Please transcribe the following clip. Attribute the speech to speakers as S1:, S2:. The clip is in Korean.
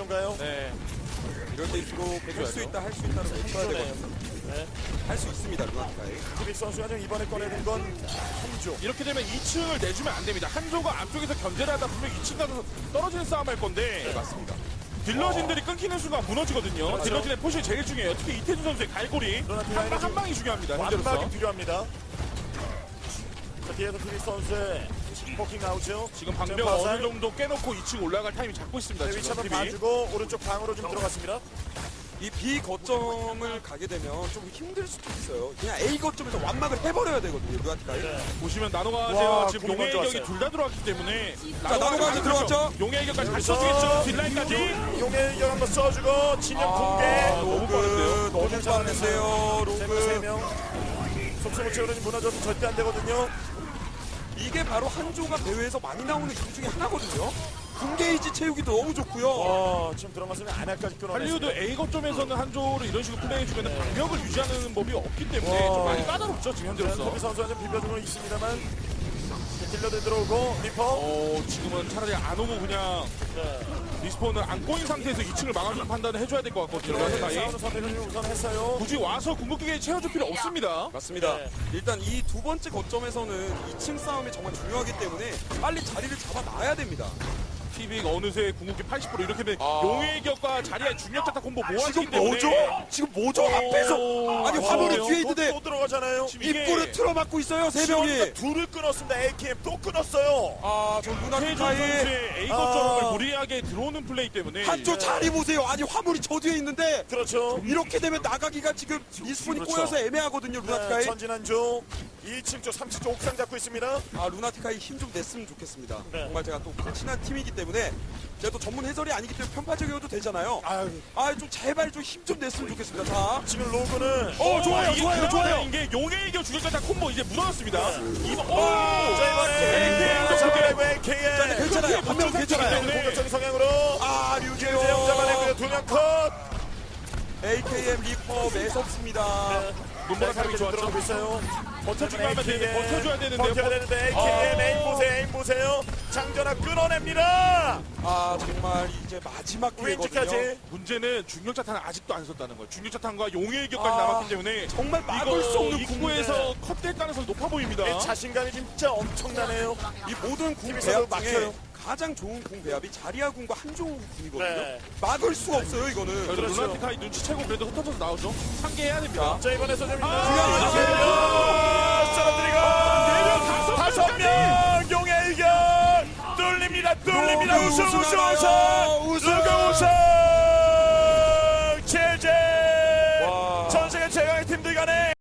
S1: 그런가요?
S2: 네.
S3: 이럴 때일수록 할 수 있다 할 수 있다는 걸 쳐야 되거든요.
S1: 네.
S3: 할 수 있습니다 루나티카이.
S1: 티빅 선수가 지금 이번에 꺼내는 건 한조.
S2: 이렇게 되면 2층을 내주면 안 됩니다. 한조가 앞쪽에서 견제를 하다 보면 2층 가서 떨어지는 싸움 할 건데.
S3: 네, 맞습니다.
S2: 딜러진들이 끊기는 순간 무너지거든요.
S1: 그렇죠.
S2: 딜러진의 포션이 제일 중요해요. 특히 이태준 선수의 갈고리 한 방이 중요합니다. 현재로서.
S1: 완박이 필요합니다. 자, 뒤에서 티빅 선수의 포킹 나오죠.
S2: 지금 방벽 어느 정도 깨놓고 2층 올라갈 타이밍 잡고 있습니다.
S1: 네, 위치
S2: 지금
S1: 한번
S2: TV.
S1: 봐주고 오른쪽 방으로 좀 들어갔습니다.
S3: 이 B 거점을 가게 되면 좀 힘들 수도 있어요. 그냥 A 거점에서 완막을 해버려야 되거든요 루나티카이.
S1: 네.
S2: 보시면 나노가
S1: 와,
S2: 제가 지금
S1: 공이
S2: 용의
S1: 먼저
S2: 일격이
S1: 왔어요.
S2: 둘 다 들어왔기 때문에
S3: 자, 나노가 들어왔죠?
S2: 용의 일격까지 다
S1: 여기서
S2: 써주겠죠. 딜라인까지.
S1: 용의 일격 한번 써주고 진영 공개.
S2: 너무 빠른데요.
S3: 너무 빠른데요 로그.
S1: 3명. 속수무책으로 무너져도 절대 안 되거든요.
S3: 이게 바로 한조가 대회에서 많이 나오는 이유 중에 하나거든요. 군게이지 채우기도 너무 좋고요.
S1: 지금 들어갔으면 안할까지
S2: 할리우드
S1: 끊어냈습니다.
S2: A 거점에서는 한조를 이런 식으로 플레이해주면 방벽을 유지하는 법이 없기 때문에
S1: 와.
S2: 좀 많이 까다롭죠 지금 현재로서.
S1: 토비 선수가 좀 비벼주고 있습니다만 딜러들 들어오고 리퍼.
S2: 지금은 차라리 안 오고 그냥
S1: 네.
S2: 리스폰을 안 꼬인 상태에서 2층을 막아주는 판단을 해줘야 될 것 같거든요. 라스카이.
S1: 싸우는 선택을 좀 우선 했어요.
S2: 굳이 와서 궁극기에 채워줄 필요 없습니다.
S3: 맞습니다.
S1: 네.
S3: 일단 이 두 번째 거점에서는 2층 싸움이 정말 중요하기 때문에 빨리 자리를 잡아놔야 됩니다.
S2: 티빅 어느새 궁극기 80% 이렇게 되면
S3: 아.
S2: 용의 격과 자리의 중력자타 콤보 모아지기
S3: 지금
S2: 때문에
S3: 뭐죠? 지금 뭐죠? 앞에서 아니 화물이
S2: 그래요?
S3: 뒤에 있는데
S1: 또 들어가잖아요.
S2: 지금 이게
S3: 입구를 틀어막고 있어요 세 명이.
S1: 지원이가 둘을 끊었습니다. AKM 또 끊었어요.
S3: 아저
S2: 최준
S3: 루나티카이
S2: 선수의 A 거점을 무리하게 들어오는 플레이 때문에
S3: 한쪽 자리 보세요. 아니 화물이 저 뒤에 있는데
S1: 그렇죠.
S3: 이렇게 되면 나가기가 지금 리스폰이
S1: 그렇죠.
S3: 꼬여서 애매하거든요 루나티카이.
S1: 전진한조 2층 쪽 3층 쪽 옥상 잡고 있습니다.
S3: 아 루나티카이 힘 좀 냈으면 좋겠습니다.
S1: 네.
S3: 정말 제가 또 친한 팀이기 때문에 제가 또 전문 해설이 아니기 때문에 편파적이어도 되잖아요. 좀 제발 좀 힘 좀 냈으면 좋겠습니다. 자,
S1: 지금 로그는
S3: 좋아요,
S2: 이게
S3: 좋아요,
S2: 그나마
S3: 좋아요.
S2: 이게 용의 이겨 중력자타 콤보 이제 묻어났습니다. 이번
S1: 자 이번에 잡아내고 AKM
S3: 괜찮아요. 한 명 괜찮아요.
S1: 공격적인 성향으로
S3: 아
S1: 김재영
S3: 류재영
S1: 잡아내고요. 2명 컷.
S3: AKM 리퍼 매섭습니다.
S2: 눈보라 타이밍
S1: 좀
S2: 좋았죠.
S1: 들어가고 있어요.
S2: 버텨주기만 하면 되는데 버텨줘야 되는데
S1: 버텨야 되는데 AKM 에임 보세요. 에임 보세요. 장전아 끊어냅니다.
S3: 아 정말 이제 마지막 기회거든요.
S1: 왼쪽까지.
S2: 문제는 중력자탄을 아직도 안 썼다는 거예요. 중력자탄과 용의 일격까지
S3: 아,
S2: 남았기 때문에
S3: 정말 막을 수 없는
S2: 입구에서 컷될 가능성이 높아 보입니다.
S1: 자신감이 진짜 엄청나네요.
S3: 이 모든 궁
S1: 팀에서도
S3: 배합 중에
S1: 막혀요.
S3: 가장 좋은 궁 배합이 자리아 궁과 한조 궁이거든요.
S1: 네.
S3: 막을 수가 없어요 이거는.
S2: 그래서
S1: 그렇죠.
S2: 루나티카이 눈치채고 그래도 흩어져서 나오죠. 상계해야 됩니다.
S1: 자 이번에서 좀
S3: 중요한
S1: 떨어뜨리고 5명 용의 일격 뚫립니다. 우승 제재 전 세계 최강의 팀들 간에